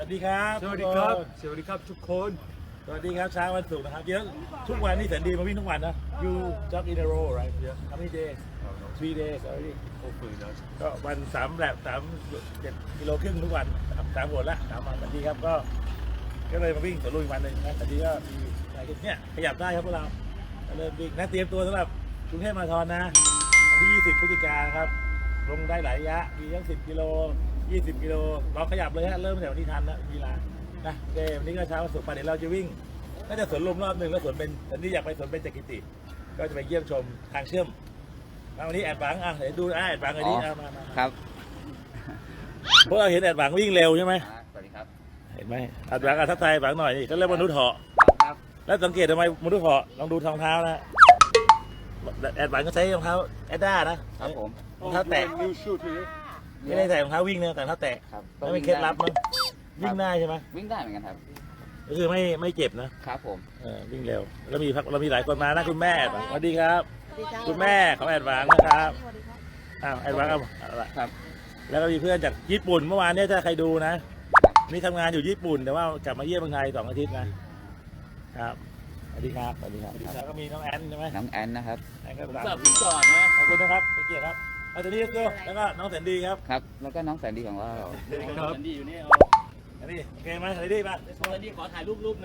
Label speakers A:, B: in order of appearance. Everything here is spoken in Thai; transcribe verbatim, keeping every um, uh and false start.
A: วัสดีครับ
B: สวัสดีครับสวัสดีครับทุกคน
A: สวัสดีครับเช้าวันศุกร์นะครับเดี๋ยวทุกวันนี่แสนดีมาวิ่งทุกวันนะ you jog in a row right yeah how many days three days already
B: hopefully not
A: ก็วันสามแบบสามเจ็ดกิโลครึ่งทุกวันสามหนละสามวันสวัสดีครับก็ก็เลยมาวิ่งสวนลุมอีกวันหนึ่งนะสวัสดีก็มีอะไรกันเนี่ยขยับได้ครับพวกเราเริ่มวิ่งนะเตรียมตัวสำหรับกรุงเทพมาราธอนนะวันที่ยี่สิบพฤศจิกายนครับลงได้หลายระยะมีทั้งสิบกิโลยี่สิบกิโลเราขยับเลยฮะเริ่มตั้งแต่วันที่ทันนะเวลานะโอเควันนี้ก็เช้าวันศุกร์ไปเดี๋ยวเราจะวิ่งน่าจะสวนลุมรอบหนึ่งแล้วสวนเป็นตอนนี้อยากไปสวนเป็นจักริติก็จะไปเยี่ยมชมทางเชื่อมมาวันนี้แอดบังอ่ะเดี๋ยวดูอ่ะแอดบังเลยดิมามา
C: ครับ
A: พวกเราเห็นแอดบังวิ่งเร็วใช่ไหม
C: สวัสดีครับ
A: เห็นไหมแอดบังอ่ะทักทายแอดบังหน่อยนี่เขาเรียกมนุษย์เหาะ
C: ครับ
A: แล้วสังเกตทำไมมนุษย์เหาะลองดูรองเท้านะแอดบังก็ใช้รองเท้าแอดด้านะครับ
C: ผม
A: รองเท้าแตะ
B: new shoot here
A: ไม่ได้ใส่รองเท้าวิ่งนะแต่รองเท้าแตะ
C: ครับ
A: แล้วมีเคล็ดลับมั้งวิ่งได้ใช่ไหม
C: วิ่งได้เหมือนกันครับ
A: ก็คือไม่ไม่เจ็บนะครับ
C: ผม
A: เออวิ่งเร็วแล้วมีพักเรามีหลายคนมานะคุณแม่สวัสดีครับ คุณแม่ของแอดบังนะครับอ้าวแอดบังเอาเอาละ
C: ครับ
A: แล้วก็มีเพื่อนจากญี่ปุ่นเมื่อวานเนี่ยถ้าใครดูนะนี่ทำงานอยู่ญี่ปุ่นแต่ว่ากลับมาเยี่ยมเมืองไทยสองอาทิตย์นะครับสวัสดีครับสวัสดีครับแล้วก็มีน้องแอนใช่ไหม
C: น้องแอนนะครับ
A: แอนก็
B: ผม
A: ตาม
B: สับผมก่อนนะ
A: ขอบคุณนะครับไปเกียรติครับเอาตัวนี้ก็แล้วก็น้องแสนดีครับ
C: ครับ แล้วก็น้องแสนดีของเรา
B: ครับดีอยู่นี่
A: อันนี้โอเคไหมแสนดีป่ะ
B: แสนดีขอถ่ายรูปรูป